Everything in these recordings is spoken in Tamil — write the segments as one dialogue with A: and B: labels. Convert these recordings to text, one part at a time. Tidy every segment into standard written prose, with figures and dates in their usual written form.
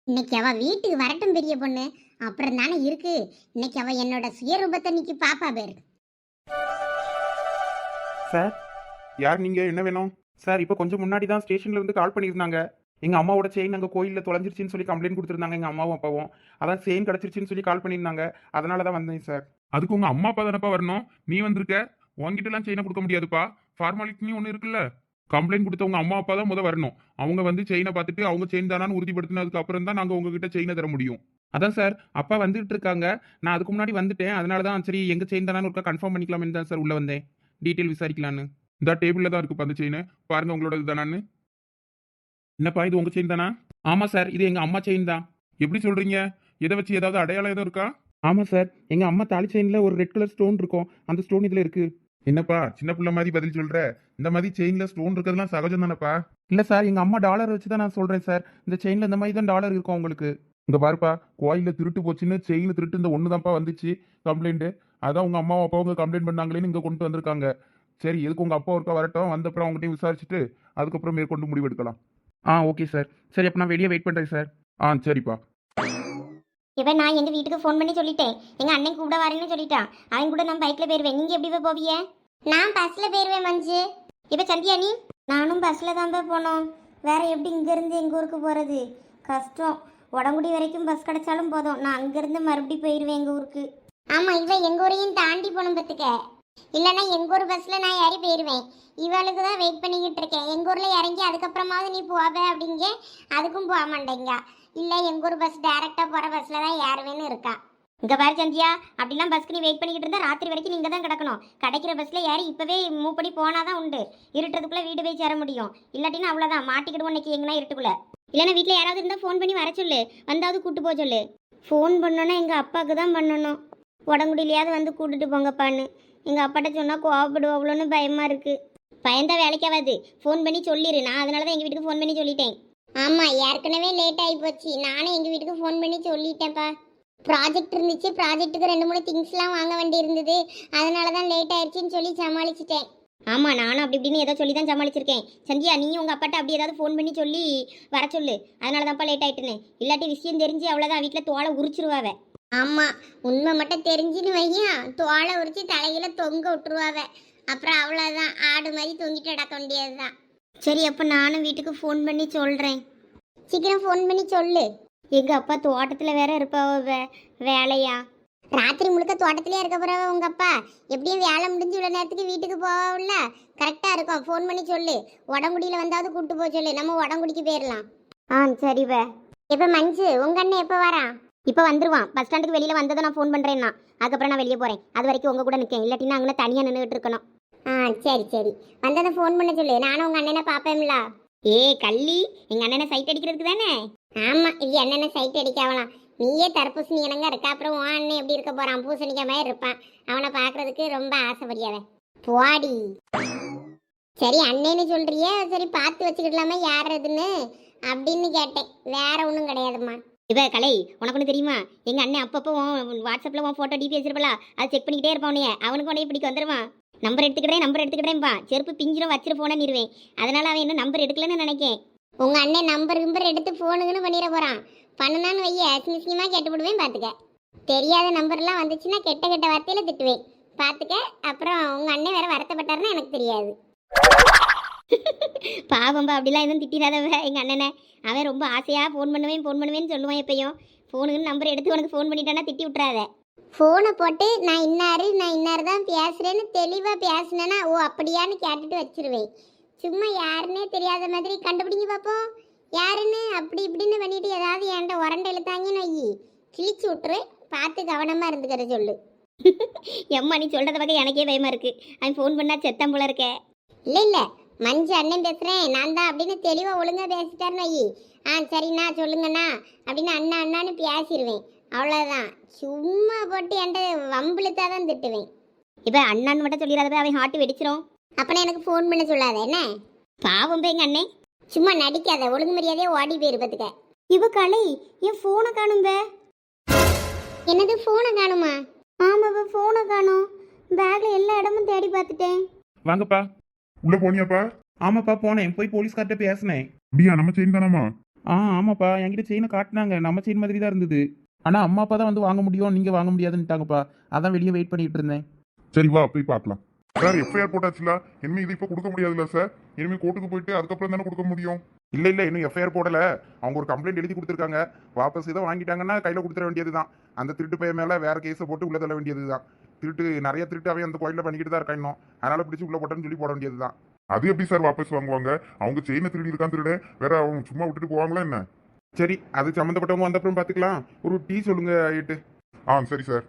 A: இன்னைக்கு அவ வீட்டுக்கு வரட்டும் பெரிய பொண்ணு. அப்புறம் தானே இருக்கு. இன்னைக்கு அவ என்னோட சுயரூபத்தை இன்னைக்கு பாப்பா பேரு.
B: சார், யார் நீங்க? என்ன வேணும்? சார், இப்போ கொஞ்சம் முன்னாடி தான் ஸ்டேஷன்ல இருந்து கால் பண்ணியிருந்தாங்க. எங்க அம்மாவோட செயின் அங்கே கோயிலில் தொலைஞ்சிருச்சுன்னு சொல்லி கம்ப்ளைண்ட் கொடுத்துருந்தாங்க எங்க அம்மாவும் அப்பாவும். அதான் செயின் கிடச்சிருச்சுன்னு சொல்லி கால் பண்ணியிருந்தாங்க. அதனால தான் வந்தேன் சார்.
C: அதுக்கு உங்க அம்மா அப்பா தானப்பா வரணும். நீ வந்திருக்க. உங்ககிட்ட எல்லாம் செயினை கொடுக்க முடியாதுப்பா. ஃபார்மாலிட்டி ஒன்று இருக்குல்ல. கம்ப்ளைண்ட் கொடுத்த உங்க அம்மா அப்பா தான் முத வரணும். அவங்க வந்து செயினை பார்த்துட்டு அவங்க செயின் தானான்னு உறுதிப்படுத்தினதுக்கு அப்புறம் தான் நாங்கள் உங்ககிட்ட செயினை தர முடியும்.
B: அதான் சார், அப்பா வந்துட்டு இருக்காங்க. நான் அதுக்கு முன்னாடி வந்துட்டேன். அதனால தான் சரி எங்க செயின் தானான்னு ஒருக்கா கன்ஃபார்ம் பண்ணிக்கலாம்னு தான் சார் உள்ள வந்தேன். டீட்டெயில் விசாரிக்கலான்னு.
C: இந்த டேபிள்ல தான் இருக்குப்பா அந்த செயின். பாருங்க உங்களோட இதுதானான்னு.
B: என்னப்பா, இது உங்க செயின் தானா? ஆமா சார், இது எங்க அம்மா செயின் தான்.
C: எப்படி சொல்றீங்க? எதை வச்சு ஏதாவது அடையாளம் எதுவும் இருக்கா?
B: ஆமா சார், எங்க அம்மா தாலி செயின்ல ஒரு ரெட் கலர் ஸ்டோன் இருக்கும். அந்த ஸ்டோன் இதுல இருக்கு.
C: என்னப்பா சின்ன பிள்ளை மாதிரி பதில் சொல்ற? இந்த மாதிரி செயின்ல ஸ்டோன் இருக்கிறதுலாம் சகஜம் தானப்பா.
B: இல்ல சார், எங்க அம்மா டாலர் வச்சு தான் நான் சொல்றேன் சார். இந்த செயின்ல இந்த மாதிரி தான் டாலர் இருக்கும் உங்களுக்கு.
C: இங்க பாருப்பா, கோயில்ல திருட்டு போச்சுன்னு செயின் திருட்டு இந்த ஒன்று தான்ப்பா வந்துச்சு கம்ப்ளைண்ட். அதான் உங்க அம்மாவும் அப்பாவும் கம்ப்ளைண்ட் பண்ணாங்களேன்னு இங்க கொண்டு வந்திருக்காங்க. சரி, எதுக்கு உங்க அப்பா ஒருக்கா வரட்டும், வந்த அப்புறம் அவங்ககிட்ட விசாரிச்சுட்டு அதுக்கப்புறம் மேற்கொண்டு முடிவு எடுக்கலாம்.
B: Okay sir. சரி, அப்ப நான் வெளியே வெயிட் பண்றேன் சார்.
C: சரிப்பா.
A: இப்ப நான் எங்க வீட்டுக்கு ஃபோன் பண்ணி சொல்லிட்டேன். எங்க அண்ணன் கூட வரேன்னு சொல்லிட்டான். அவன் கூட நான் பைக்ல போயிருவேன். நீங்க எப்படி போவிய? நான் பஸ்ல போயிருவேன் மஞ்சு. இப்ப சந்தியா நீ? நானும் பஸ்ல தான் போனோம். வேற எப்படி இங்க இருந்து எங்க ஊருக்கு போறது? கஷ்டம். உடங்குடி வரைக்கும் பஸ் கிடைச்சாலும் போதும். நான் அங்க இருந்து மறுபடியும் போயிருவேன் எங்க ஊருக்கு. ஆமா, இவ எங்க ஊரையும் தாண்டி போகணும் பத்துக்க. இல்லைன்னா எங்க ஊர் பஸ்ல நான் ஏறி போயிருவேன். இவளுக்கு தான் வெயிட் பண்ணிக்கிட்டு இருக்கேன். எங்க ஊர்ல இறங்கி அதுக்கப்புறமாவது நீ போவ அப்படிங்க. அதுக்கும் போக மாட்டேங்க. இல்ல எங்க ஊர் பஸ் டைரக்டா போற பஸ்ல தான் ஏறுவேன்னு இருக்கா. இங்க பாரு சந்தியா, அப்படிலாம் பஸ்க்கு நீ வெயிட் பண்ணிக்கிட்டு இருந்தா ராத்திரி வரைக்கும் நீங்க தான் கிடக்கணும். கிடைக்கிற பஸ்ல ஏறி இப்பவே மூவ் பண்ணி போனாதான் உண்டு. இருட்டுறதுக்குள்ள வீடு போய் சேர முடியும். இல்லாட்டினா அவ்வளவுதான், மாட்டிக்கிடுவோம் இன்னைக்கு எங்கன்னா இருட்டுக்குள்ள. இல்லைன்னா வீட்டுல யாராவது இருந்தா ஃபோன் பண்ணி வர சொல்லு. வந்தாவது கூட்டு போக சொல்லு. ஃபோன் பண்ணோன்னா எங்க அப்பாவுக்கு தான் பண்ணணும். உடங்குடியிலையாவது வந்து கூட்டிட்டு போங்கப்பான்னு. எங்க அப்பாட்ட சொன்னா கோவப்படுவோம்னு பயமா இருக்கு. பயந்தா வேலைக்காவது. ஃபோன் பண்ணி சொல்லிடு. நான் அதனால தான் எங்க வீட்டுக்கு ஃபோன் பண்ணி சொல்லிட்டேன். ஆமா, ஏற்கனவே லேட் ஆகி போச்சு. நானும் எங்க வீட்டுக்கு ஃபோன் பண்ணி சொல்லிட்டேன்ப்பா. ப்ராஜெக்ட் இருந்துச்சு. ப்ராஜெக்ட்டுக்கு 2-3 திங்ஸ்லாம் வாங்க வேண்டி இருந்தது. அதனால தான் லேட் ஆயிடுச்சுன்னு சொல்லி சமாளிச்சிட்டேன். ஆமா, நானும் அப்படி இப்படின்னு ஏதோ சொல்லி தான் சமாளிச்சிருக்கேன். சந்தியா, நீயும் உங்க அப்பாட்ட அப்படி ஏதாவது ஃபோன் பண்ணி சொல்லி வர சொல்லு. அதனால தான்ப்பா லேட் ஆயிட்டுன்னு. இல்லாட்டி விஷயம் தெரிஞ்சு அவ்வளோதான், வீட்டில் தோலை உரிச்சிருவாவ. ஆமா, உண்மை மட்டும் தெரிஞ்சுன்னு வையா, தோலை உரிச்சு தலையில தொங்க விட்டுருவாவ. அப்புறம் அவ்வளோதான், ஆடு மாதிரி தொங்கிட்டு நடக்க வேண்டியதுதான். சரி, அப்போ நானும் வீட்டுக்கு ஃபோன் பண்ணி சொல்கிறேன். சீக்கிரம் ஃபோன் பண்ணி சொல்லு. எங்கள் அப்பா தோட்டத்தில் வேற இருப்பாவ. வேலையா ராத்திரி முழுக்க தோட்டத்திலே இருக்க போறவ உங்க அப்பா. எப்படியும் வேலை முடிஞ்சு இவ்வளோ நேரத்துக்கு வீட்டுக்கு போகல. கரெக்டாக இருக்கும். ஃபோன் பண்ணி சொல்லு. உடங்குடியில் வந்தாவது கூப்பிட்டு போக சொல்லு. நம்ம உடங்குடிக்கு போயிடலாம். சரிவ. இப்போ மஞ்சு உங்க அண்ணன் எப்போ வரான்? இப்போ வந்துருவான். பஸ் ஸ்டாண்டுக்கு வெளியில் வந்ததை நான் ஃபோன் பண்ணுறேன்னா. அதுக்கப்புறம் நான் வெளியே போகிறேன். அது வரைக்கும் உங்கள் கூட நிற்கேன். இல்லாட்டினா அங்கே தனியாக நின்றுட்டு இருக்கணும். சரி சரி, வந்ததை ஃபோன் பண்ண சொல்லு. நானும் உங்கள் அண்ணனை பார்ப்பேன்ல. கள்ளி, எங்கள் அண்ணனை சைட் அடிக்கிறதுக்கு தானே? ஆமாம், இது என்னென்ன சைட் அடிக்காவலாம். நீயே தர்பூசணி இனங்க இருக்கா. அப்புறம் உன் அண்ணன் எப்படி இருக்க போகிறான்? பூசணிக்க மாதிரி இருப்பான். அவனை பார்க்கறதுக்கு ரொம்ப ஆசைப்படியாவே. போடி. சரி, அண்ணன்னு சொல்கிறியே. சரி, பார்த்து வச்சுக்கிடலாமா யார் அதுன்னு அப்படின்னு கேட்டேன். வேற ஒன்றும் கிடையாதும்மா. இவ கலை, உனக்கு ஒன்று தெரியுமா? எங்கள் அண்ணன் அப்பப்போ வாட்ஸ்அப்பில் உன் ஃபோட்டோ டிபி வச்சிருப்பல, அதை செக் பண்ணிக்கிட்டே இருப்பான். அவனுக்கு உடனே பிடிக்க வந்துடுவான். நம்பர் எடுத்துக்கிட்டேன்பா. செருப்பு பிஞ்சிரும் வச்சிரு ஃபோனை நிறுவேன். அதனால அவன் இன்னும் நம்பர் எடுக்கலன்னு நினைக்கேன். உங்கள் அண்ணன் நம்பர் எடுத்து ஃபோனுக்குன்னு பண்ணிட போகிறான். பண்ணனான்னு வைய அசிங்கமாக கேட்டு விடுவேன். பார்த்துக்க. தெரியாத நம்பர்லாம் வந்துச்சுன்னா கெட்ட கெட்ட வார்த்தையில திட்டுவேன். பார்த்துக்க. அப்புறம் உங்கள் அண்ணன் வேற வருத்தப்பட்டாருன்னா எனக்கு தெரியாது. பாவம்பா, அப்படிலாம் எதுவும் திட்டிடாதவ எங்கள் அண்ணனை. அவன் ரொம்ப ஆசையாக ஃபோன் பண்ணுவேன்னு சொல்லுவான். எப்பயும் ஃபோனுக்குன்னு நம்பர் எடுத்து உனக்கு ஃபோன் பண்ணிட்டானா திட்டி விட்றாத. ஃபோனை போட்டு நான் இன்னாரு தான் பேசுகிறேன்னு தெளிவாக பேசினேன்னா ஓ அப்படியான்னு கேட்டுட்டு வச்சிருவேன். சும்மா யாருன்னே தெரியாத மாதிரி கண்டுபிடிங்க பார்ப்போம் யாருன்னு. அப்படி இப்படின்னு பண்ணிட்டு ஏதாவது என்கிட்ட உரண்டை இழுத்தாங்கன்னு வையி கிழிச்சு விட்டுரு. பார்த்து கவனமாக இருந்துக்கிற சொல்லு. எம்மா, நீ சொல்கிறத பக்கம் எனக்கே பயமாக இருக்குது. அவன் ஃபோன் பண்ணால் செத்தம் போல இருக்கே. இல்லை, மஞ்சு அண்ணன் பேசுகிறேன் நான் தான் அப்படின்னு தெளிவாக ஒழுங்காக பேசிட்டாருன்னு வையி. சரிண்ணா சொல்லுங்கண்ணா அப்படின்னு அண்ணான்னு பேசிடுவேன். அவ்வளோதான். சும்மா போட்டு என்கிட்ட வம்பிழுத்தான் தான் திட்டுவேன். இப்போ அண்ணான்னு மட்டும் சொல்லிடாத, அவன் ஹார்ட் வெடிச்சிரும். அப்பனா எனக்கு ஃபோன் பண்ண சொல்லாத என்ன? பாவம் எங்க அண்ணே. சும்மா நடிக்காத. ஒழுங்கு மரியாதையே ஓடி போயிருப்பதுக்க. இவ கலை, என் ஃபோனை காணும்ப. என்னது ஃபோனை காணுமா? ஆமாப்பா, ஃபோனை காணும். பேக்ல எல்லா இடமும் தேடி பார்த்துட்டேன்.
B: வாங்கப்பா.
C: உள்ள போனியாப்பா?
B: ஆமாப்பா, போனேன். போய் போலீஸ்கார்ட்ட பேசினேன்.
C: அப்படியா? நம்ம செயின் தானாமா?
B: ஆமாப்பா என்கிட்ட செயினை காட்டினாங்க, நம்ம செயின் மாதிரி தான் இருந்தது. ஆனால் அம்மா அப்பா தான் வந்து வாங்க முடியும், நீங்கள் வாங்க முடியாதுன்னுட்டாங்கப்பா. அதான் வெளியே வெயிட் பண்ணிட்டு இருந்தேன்.
C: சரி வா போய் பார்க்கலாம். சார் எஃப்ஐஆர் போட்டாச்சுல, இனிமே இது இப்போ கொடுக்க முடியாதுல்ல சார்? இனிமே கோர்ட்டுக்கு போயிட்டு அதுக்கப்புறம் தானே கொடுக்க முடியும்.
B: இல்லை இல்லை, இன்னும் எஃப்ஐஆர் போடலை. அவங்க ஒரு கம்ப்ளைண்ட் எழுதி கொடுத்துருக்காங்க. வாபஸ் இதை வாங்கிட்டாங்கன்னா கையில் கொடுத்துட வேண்டியது தான். அந்த திருட்டு பையன் மேலே வேற கேஸை போட்டு உள்ள தள்ள வேண்டியது தான். திருட்டு நிறைய திருட்டு அவன் அந்த கோயிலில் பண்ணிக்கிட்டு தான் இருக்கான் இன்னும். அதனால பிடிச்சி உள்ள போட்டேன்னு சொல்லி போட வேண்டியது தான்.
C: அது எப்படி சார் வாபஸ் வாங்குவாங்க? அவங்க செயினை திருடி இருக்கான் திருட, வேற அவங்க சும்மா விட்டுட்டு போவாங்களா என்ன?
B: சரி, அது சம்மந்தப்பட்டவங்க வந்தப்புறம் பார்த்துக்கலாம். ஒரு டீ சொல்லுங்க ஐட்டு.
C: சரி சார்.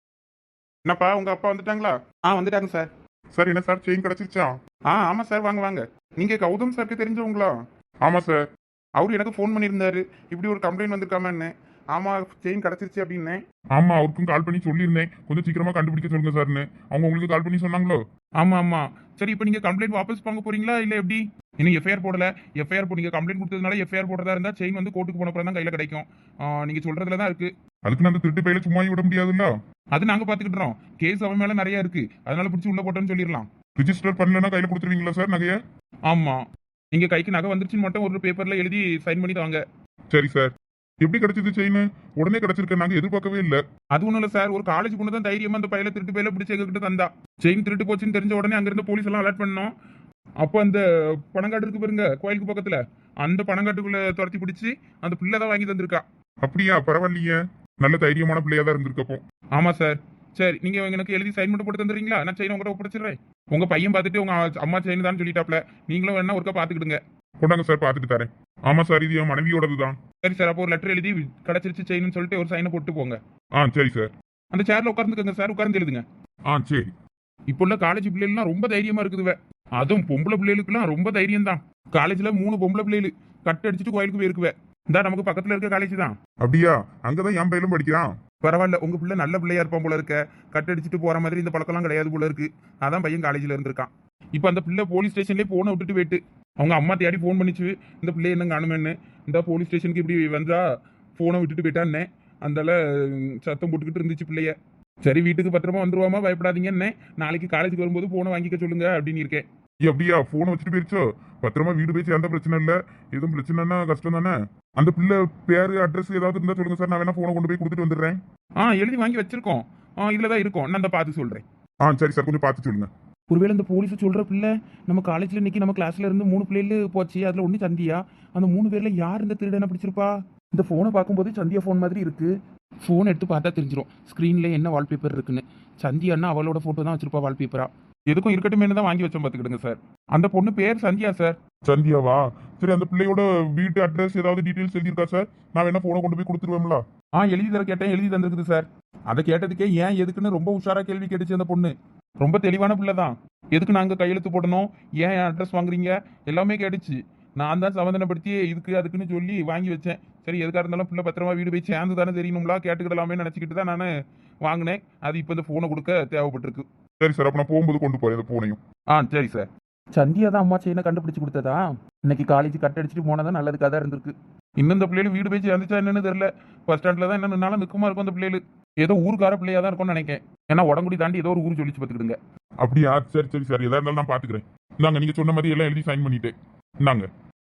B: என்னப்பா உங்கள் அப்பா வந்துட்டாங்களா? வந்துட்டாங்க சார்.
C: சார் என்ன சார் செயின் கிடைச்சிருச்சா?
B: ஆமாம் சார், வாங்க வாங்க. நீங்கள் கௌதம் சாருக்கு தெரிஞ்சவங்களா?
C: ஆமா சார்.
B: அவரு எனக்கு ஃபோன் பண்ணியிருந்தாரு, இப்படி ஒரு கம்ப்ளைண்ட் வந்திருக்காமன்னு. ஆமாம், செயின் கிடச்சிருச்சு அப்படின்னு.
C: ஆமா, அவருக்கும் கால் பண்ணி சொல்லியிருந்தேன், கொஞ்சம் சீக்கிரமா கண்டுபிடிக்க சொல்லுங்க சார்னு. அவங்க உங்களுக்கு கால் பண்ணி சொன்னாங்களோ?
B: ஆமாம் ஆமாம். சரி, இப்போ நீங்கள் கம்ப்ளைண்ட் வாபஸ் வாங்க போறீங்களா இல்லை எப்படி? இன்னும் எஃப்ஐஆர் போடல. எஃப்ஐஆர் நீங்கள் கம்ப்ளைண்ட் கொடுத்ததுனால எஃப்ஐஆர் போடுறதா இருந்தால் செயின் வந்து கோர்ட்டுக்கு போன தான் கையில் கிடைக்கும். நீங்கள் சொல்கிறதுல தான் இருக்குது.
C: அதுக்கு நான் அந்த திருட்டு பையில சும்மா விட முடியாதுல்ல.
B: அது நாங்கள் பார்த்துக்கிட்டோம். கேஸ் அவன் மேலே நிறைய இருக்குது, அதனால பிடிச்சி உள்ள போட்டோன்னு சொல்லிடலாம்.
C: ரிஜிஸ்டர் பண்ணலன்னா கையில கொடுத்துருவீங்களா சார் நகைய?
B: ஆமாம், நீங்கள் கைக்கு நகை வந்துருச்சுன்னு மட்டும் ஒரு பேப்பரில் எழுதி சைன் பண்ணி தாங்க.
C: சரி சார். எப்படி கிடைச்சது செயின்? உடனே கிடைச்சிருக்க, நாங்க எதிர்பார்க்கவே இல்லை.
B: அது ஒன்றும் இல்லை சார், ஒரு காலேஜ் பொண்ணு தான் தைரியமா அந்த பையில திருட்டு பையில பிடிச்சி எங்ககிட்ட தந்தா. செயின் திருட்டு போச்சுன்னு தெரிஞ்ச உடனே அங்கிருந்து போலீஸ் எல்லாம் அலர்ட் பண்ணோம். அப்போ அந்த பணங்காட்டு இருக்கு பாருங்க கோயிலுக்கு பக்கத்துல, அந்த பணங்காட்டுக்குள்ள துரத்தி பிடிச்சி அந்த பிள்ளை தான் வாங்கி தந்திருக்கா.
C: அப்படியா? பரவாயில்லையே, நல்ல தைரியமான பிள்ளையா தான் இருந்திருக்கப்போ.
B: ஆமா சார். சரி, நீங்க எனக்கு எழுதி சைன் மட்டும் போட்டு தந்துடுறீங்களா? நான் செயின் உங்கள்கிட்ட ஒப்படைச்சிடுறேன். உங்க பையன் பார்த்துட்டு உங்க அம்மா செயின் தான் சொல்லிட்டாப்ல, நீங்களும் வேணா ஒருக்கா பாத்துக்கிடுங்க.
C: கொண்டாங்க சார், பார்த்துட்டு தரேன். ஆமா சார், இது என் மனைவியோடது தான்.
B: சரி சார், அப்போ ஒரு லெட்டர் எழுதி கிடைச்சிருச்சு செயின்னு சொல்லிட்டு ஒரு சைனை போட்டு போங்க.
C: சரி சார்.
B: அந்த சேர்ல உட்கார்ந்துக்கங்க சார், உட்கார்ந்து எழுதுங்க.
C: சரி.
B: இப்போ உள்ள காலேஜ் பிள்ளைகள்லாம் ரொம்ப தைரியமா இருக்குதுவே. அதுவும் பொம்பளை பிள்ளைகளுக்குலாம் ரொம்ப தைரியம் தான். காலேஜ்ல 3 பொம்பளை பிள்ளைகள் கட் அடிச்சுட்டு கோயிலுக்கு போயிருக்குவே. இந்த நமக்கு பக்கத்துல இருக்க காலேஜ் தான்.
C: அப்படியா? அங்கதான் என் பையலும் படிக்கிறான்.
B: பரவாயில்ல, உங்க பிள்ளை நல்ல பிள்ளையா இருப்பான் போல இருக்க. கட் அடிச்சுட்டு போற மாதிரி இந்த பழக்கம்லாம் கிடையாது போல இருக்கு. அதான் பையன் காலேஜ்ல இருந்திருக்கான். இப்போ அந்த பிள்ளை போலீஸ் ஸ்டேஷன்லேயே போனை விட்டுட்டு போயிட்டு அவங்க அம்மா தேடி ஃபோன் பண்ணிச்சு, இந்த பிள்ளை என்ன காணுமேன்னு. இந்த போலீஸ் ஸ்டேஷனுக்கு இப்படி வந்தா ஃபோனை விட்டுட்டு போயிட்டான்னே. அந்தால சத்தம் போட்டுக்கிட்டு இருந்துச்சு பிள்ளைய. சரி, வீட்டுக்கு பத்திரமா வந்துருவாமா, பயப்படாதீங்கன்னே. நாளைக்கு காலேஜுக்கு வரும்போது ஃபோனை வாங்கிக்க சொல்லுங்க அப்படின்னு இருக்கேன்.
C: அப்படியா? போனை வச்சுட்டு போயிருச்சோ? பத்திரமா வீடு போய் சேர்ந்த பிரச்சனை இல்லை. எதுவும் பிரச்சனைனா கஷ்டம் தானே. அந்த பிள்ளை பேரு அட்ரஸ் ஏதாவது இருந்தா சொல்லுங்க சார், நான் வேணா போனை கொண்டு போய் கொடுத்துட்டு வந்துடுறேன்.
B: எழுதி வாங்கி வச்சிருக்கோம். இதுல தான் இருக்கும், நான் அந்த பார்த்து சொல்றேன்.
C: சரி சார், கொஞ்சம் பார்த்து சொல்லுங்க.
B: ஒருவேளை இந்த போலீஸ் சொல்ற பிள்ளை நம்ம காலேஜ்ல இன்னைக்கு நம்ம கிளாஸ்ல இருந்து 3 பிள்ளைகள் போச்சு, அதுல ஒண்ணு சந்தியா. அந்த 3 பேர்ல யார் இந்த திருடனை பிடிச்சிருப்பா? இந்த போனை பார்க்கும்போது சந்தியா போன் மாதிரி இருக்கு. போன் எடுத்து பார்த்தா தெரிஞ்சிடும் ஸ்கிரீன்ல என்ன வால்பேப்பர் இருக்குன்னு. சந்தியான்னா அவளோட போட்டோ தான் வச்சிருப்பா வால்பேப்பரா. எதுக்கும் இருக்கட்டுமே தான் வாங்கி வச்சோம், பார்த்துக்கிடுங்க சார். அந்த பொண்ணு பேர் சந்தியா சார்.
C: சந்தியாவா? சரி, அந்த பிள்ளையோட வீட்டு அட்ரஸ் ஏதாவது டீட்டெயில்ஸ் எழுதியிருக்கா சார்? நான் வேணா போனை கொண்டு போய் கொடுத்துருவேங்களா?
B: எழுதி தர கேட்டேன், எழுதி தந்திருக்குது சார். அதை கேட்டதுக்கே ஏன் எதுக்குன்னு ரொம்ப உஷாரா கேள்வி கேட்டுச்சு அந்த பொண்ணு. ரொம்ப தெளிவான பிள்ளை தான். எதுக்கு நாங்கள் கையெழுத்து போடணும், ஏன் அட்ரஸ் வாங்குறீங்க எல்லாமே கேட்டுச்சு. நான் தான் சமாதானப்படுத்தி இதுக்கு அதுக்குன்னு சொல்லி வாங்கி வச்சேன். சரி, எதுக்காக இருந்தாலும் பிள்ளை பத்திரமா வீடு போய் சேர்ந்து தானே தெரியணும்லா, கேட்டுக்கிடலாமே நினச்சிக்கிட்டு தான் நான் வாங்கினேன். அது இப்போ இந்த ஃபோனை கொடுக்க தேவைப்பட்டிருக்கு.
C: சரி சார், அப்போ நான் போகும்போது கொண்டு போறேன் இந்த போனையும்.
B: சரி சார். சந்தியா தான் அம்மா செயினை கண்டுபிடிச்சு கொடுத்ததா? இன்னைக்கு காலேஜ் கட் அடிச்சுட்டு போனதான் நல்லதுக்காக தான் இருந்திருக்கு. இன்னும் இந்த பிள்ளைகள் வீடு போய் சேர்ந்துச்சா என்னன்னு தெரியல. பஸ் ஸ்டாண்ட்ல தான் என்ன நின்னாலும் நிற்குமா இருக்கும் அந்த பிள்ளைகள். ஏதோ ஊருக்கார பிள்ளையா தான் இருக்கும்னு நினைக்கிறேன். ஏன்னா உடம்புடி தாண்டி ஏதோ ஒரு ஊர் சொல்லிச்சு பார்த்துக்கிடுங்க.
C: அப்படியா? சரி சரி சார், எதா இருந்தாலும் நான் பார்த்துக்கிறேன். இந்தாங்க, நீங்க சொன்ன மாதிரி எல்லாம் எழுதி சைன் பண்ணிட்டேன். இந்தாங்க.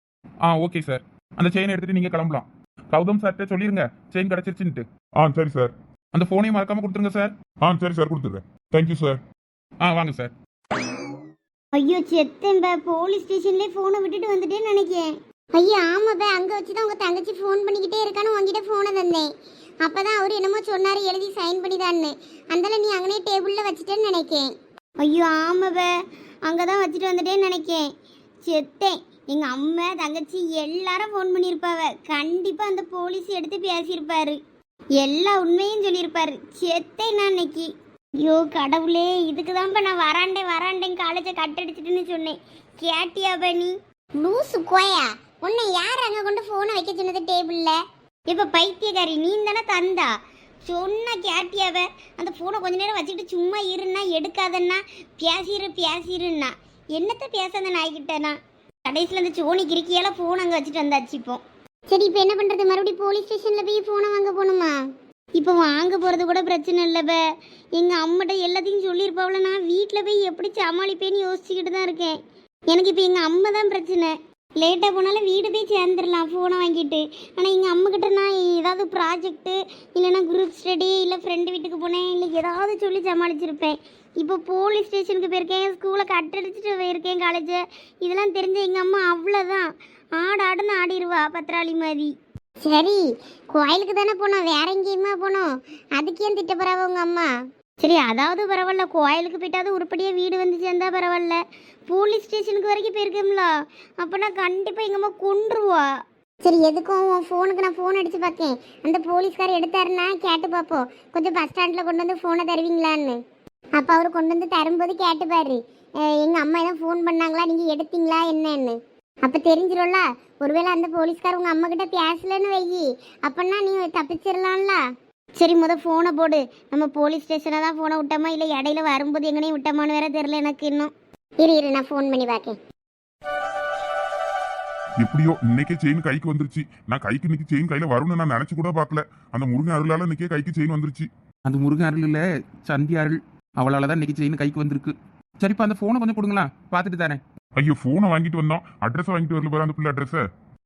B: Okay sir. அந்த செயினை எடுத்துட்டு நீங்க கிளம்பலாம். கௌதம் சார்கிட்ட சொல்லிருங்க செயின் கிடைச்சிருச்சுன்ட்டு.
C: சரி சார்.
B: அந்த போனையும் மறக்காம கொடுத்துருங்க சார்.
C: சரி சார், கொடுத்துட்றேன். Thank you sir.
B: வாங்க சார்.
A: ஐயோ செத்தேன்பா, போலீஸ் ஸ்டேஷன்லேயே ஃபோனை விட்டுட்டு வந்துட்டேன்னு நினைக்கிறேன். ஐயோ ஆமாப்பா, அங்கே வச்சு தான் உங்கள் தங்கச்சி ஃபோன் பண்ணிக்கிட்டே இருக்கான்னு உங்ககிட்ட ஃபோனை தந்தேன். அப்போ தான் அவர் என்னமோ சொன்னார் எழுதி சைன் பண்ணிதான்னு. அந்தால நீ அங்கனே டேபிளில் வச்சுட்டேன்னு நினைக்கேன். ஐயோ ஆமாப்பா, அங்கே தான் வச்சுட்டு வந்துட்டேன்னு நினைக்கேன். செத்தேன். எங்கள் அம்மா தங்கச்சி எல்லாரும் ஃபோன் பண்ணியிருப்பாவ. கண்டிப்பாக அந்த போலீஸ் எடுத்து பேசியிருப்பாரு, எல்லா உண்மையும் சொல்லியிருப்பாரு. செத்தேன் நான் இன்னைக்கு. ஐயோ கடவுளே, இதுக்கு தான்ப்பா நான் வராண்டேன் காலேஜை கட்டடிச்சிட்டுன்னு சொன்னேன். கேட்டியாப்பா நீ? லூசு கோயா, உன்னை யார் அங்கே கொண்டு ஃபோனை வைக்க சொன்னது டேபிளில்? இப்போ பைத்தியக்காரி, நீ தானே தந்தா சொன்னா கேட்டியாவ? அந்த ஃபோனை கொஞ்ச நேரம் வச்சுக்கிட்டு சும்மா இருன்னா, எடுக்காதன்னா, பேசிருன்னா என்னத்த பேச அந்த நாய்கிட்டனா? கடைசியில் அந்த சோனி கிரிக்கியால ஃபோன் அங்கே வச்சுட்டு வந்தாச்சு. இப்போ சரி, இப்போ என்ன பண்ணுறது? மறுபடியும் போலீஸ் ஸ்டேஷனில் போய் ஃபோனை வாங்க போகணுமா? இப்போ வாங்க போகிறது கூட பிரச்சனை இல்லைப்ப. எங்கள் அம்மாட்ட எல்லாத்தையும் சொல்லியிருப்பாவில். நான் வீட்டில் போய் எப்படி சமாளிப்பேன்னு யோசிச்சுக்கிட்டு தான் இருக்கேன். எனக்கு இப்போ எங்கள் அம்மா தான் பிரச்சனை. லேட்டாக போனாலும் வீடு போய் சேர்ந்துடலாம் ஃபோனை வாங்கிட்டு. ஆனால் எங்கள் அம்மாக்கிட்ட நான் ஏதாவது ப்ராஜெக்ட்டு இல்லைன்னா குரூப் ஸ்டடி இல்லை ஃப்ரெண்டு வீட்டுக்கு போனேன் இல்லை ஏதாவது சொல்லி சமாளிச்சிருப்பேன். இப்போ போலீஸ் ஸ்டேஷனுக்கு போயிருக்கேன், ஸ்கூலை கட்டடிச்சிட்டு போயிருக்கேன், காலேஜை. இதெல்லாம் தெரிஞ்ச எங்கள் அம்மா அவ்வளோதான் ஆடுன்னு ஆடிடுவா பத்திராளி மாதிரி. சரி, கோயிலுக்கு தானே போனோம், வேற எங்கேயுமா போனோம்? அதுக்கு ஏன் திட்டப்படாவ உங்கள் அம்மா? சரி, அதாவது பரவாயில்ல, கோயிலுக்கு போயிட்டாவது உருப்படியாக வீடு வந்து சேர்ந்தா பரவாயில்ல. போலீஸ் ஸ்டேஷனுக்கு வரைக்கும் போயிருக்கோம்ல, அப்போனா கண்டிப்பாக எங்கள் அம்மா கொன்றுவா. சரி, எதுக்கும் உன் ஃபோனுக்கு நான் ஃபோன் அடித்து பார்க்கேன். அந்த போலீஸ்கார் எடுத்தாருன்னா கேட்டு பார்ப்போம், கொஞ்சம் பஸ் ஸ்டாண்டில் கொண்டு வந்து ஃபோனை தருவீங்களான்னு. அப்போ அவர் கொண்டு வந்து தரும்போது கேட்டுப்பாரு, எங்கள் அம்மா எதாவது ஃபோன் பண்ணாங்களா, நீங்கள் எடுத்தீங்களா என்னன்னு. அப்போ தெரிஞ்சிடும்ல. ஒருவேளை அந்த போலீஸ்கார் உங்கள் அம்மா கிட்ட பேசலன்னு வையி, அப்போன்னா நீ தப்பிச்சிடலாம்ல. சரி, ஃபோனை போடு. நம்ம போலீஸ் ஸ்டேஷனை தான் ஃபோனை விட்டோமா இல்லை இடையில வரும்போது எங்கனையும் விட்டோமான்னு வேற தெரில எனக்கு இன்னும். இரு நான் ஃபோன் பண்ணி பார்க்கேன்.
C: எப்படியோ இன்னைக்கே செயின் கைக்கு வந்துருச்சு. நான் கைக்கு இன்னைக்கு செயின் கையில வரும்னு நான் நினைச்சு கூட பார்க்கல. அந்த முருகன் அருளால இன்னைக்கே கைக்கு செயின் வந்துருச்சு.
B: அந்த முருகன் அருள் இல்லை, சந்தி அருள். அவளால் தான் இன்னைக்கு செயின் கைக்கு வந்திருக்கு. சரிப்பா, அந்த ஃபோனை கொஞ்சம் கொடுங்களா, பார்த்துட்டு தரேன்.
C: ஐயோ, போனை வாங்கிட்டு வந்தோம், அட்ரஸ் வாங்கிட்டு வரல பாரு அந்த பிள்ளை அட்ரஸ.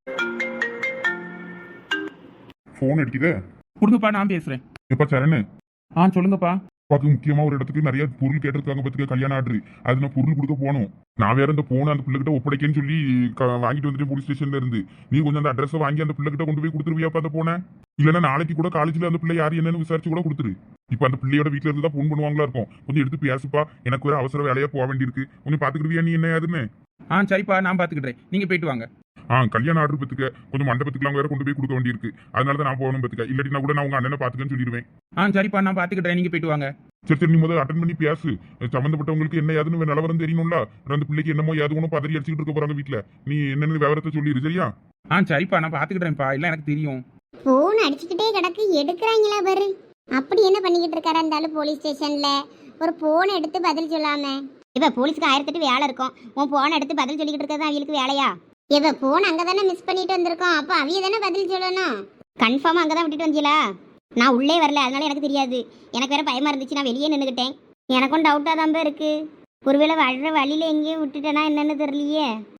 C: போன் அடிக்குதே.
B: கொடுங்கப்பா, நான் பேசுகிறேன்.
C: எப்பா சரணு,
B: சொல்லுங்கப்பா.
C: அப்பாவுக்கு முக்கியமா ஒரு இடத்துக்கு நிறைய பொருள் கேட்டிருக்காங்க பத்துக்க, கல்யாணம் ஆர்டர். அது நான் பொருள் கொடுக்க போகணும். நான் வேற இந்த போனை அந்த பிள்ளைகிட்ட ஒப்படைக்கன்னு சொல்லி வாங்கிட்டு வந்துட்டு போலீஸ் ஸ்டேஷன்ல இருந்து. நீ கொஞ்சம் அந்த அட்ரஸை வாங்கி அந்த பிள்ளைகிட்ட கொண்டு போய் கொடுத்துருவியாப்பா அந்த போனை? இல்லைன்னா நாளைக்கு கூட காலேஜ்ல அந்த பிள்ளை யார் என்னன்னு விசாரிச்சு கூட கொடுத்துரு. இப்போ அந்த பிள்ளையோட வீட்டுல இருந்து தான் போன் பண்ணுவாங்களா இருக்கும். கொஞ்சம் எடுத்து பேசுப்பா, எனக்கு ஒரு அவசர வேலையா போக வேண்டியிருக்கு. கொஞ்சம் பாத்துக்கிடுவியா நீ என்ன யாருன்னு?
B: சரிப்பா, நான் பார்த்துக்கிட்டேன், நீங்க போயிட்டு வாங்க.
C: கல்யாணம் ஆர்டர் பத்துக்க கொஞ்சம் மண்டபத்துக்குலாம் வேற கொண்டு போய் கொடுக்க வேண்டியிருக்கு. அதனால தான் நான் போகணும் பத்துக்க. இல்லாட்டி நான் கூட நான் உங்க அண்ணனை பாத்துக்கன்னு சொல்லிடுவேன்.
B: சரிப்பா, நான் பார்த்துக்கிட்டேன், நீங்க போயிட்டு வாங்க.
C: சரி, நீ முதல்ல அட்டன் பண்ணி பேசு. சம்பந்தப்பட்டவங்களுக்கு என்ன ஏதுன்னு நிலவரம் தெரியணும்ல. அந்த பிள்ளைக்கு என்னமோ ஏது ஒன்றும் பதறி அடிச்சுட்டு இருக்க போறாங்க வீட்டுல. நீ என்னன்னு விவரத்தை சொல்லிடு, சரியா?
B: சரிப்பா, நான் பார்த்துக்கிட்டேன்ப்பா, இல்லை எனக்கு தெரியும்.
A: ஃபோன் அடிச்சுக்கிட்டே கிடக்கு, எடுக்கிறாங்களா பாரு. அப்படி என்ன பண்ணிக்கிட்டு இருக்காரா இருந்தாலும் போலீஸ் ஸ்டேஷன்ல ஒரு போனை எடுத்து பதில் சொல்லாம. இப்ப போலீஸ்க்கு 1008 வேலை இருக்கும், உன் போனை எடுத்து பதில் சொல்லிக்கிட்டு இருக்கிறது அவங்களுக்கு வேலையா? இப்ப போன் அங்கதானே மிஸ் பண்ணிட்டு வந்திருக்கோம், அப்ப அவிய தானே பதில் சொல்லணும். கன்ஃபார்மா அங்கதான் விட்டுட்டு வந்தீங்களா? நான் உள்ளே வரல, அதனால எனக்கு தெரியாது. எனக்கு வேற பயமா இருந்துச்சு, நான் வெளியே நின்றுக்கிட்டேன். எனக்கும் டவுட்டா தான் இருக்கு. ஒருவேளை வர்ற வழியில எங்கேயும் விட்டுட்டேனா என்னன்னு தெரியலையே.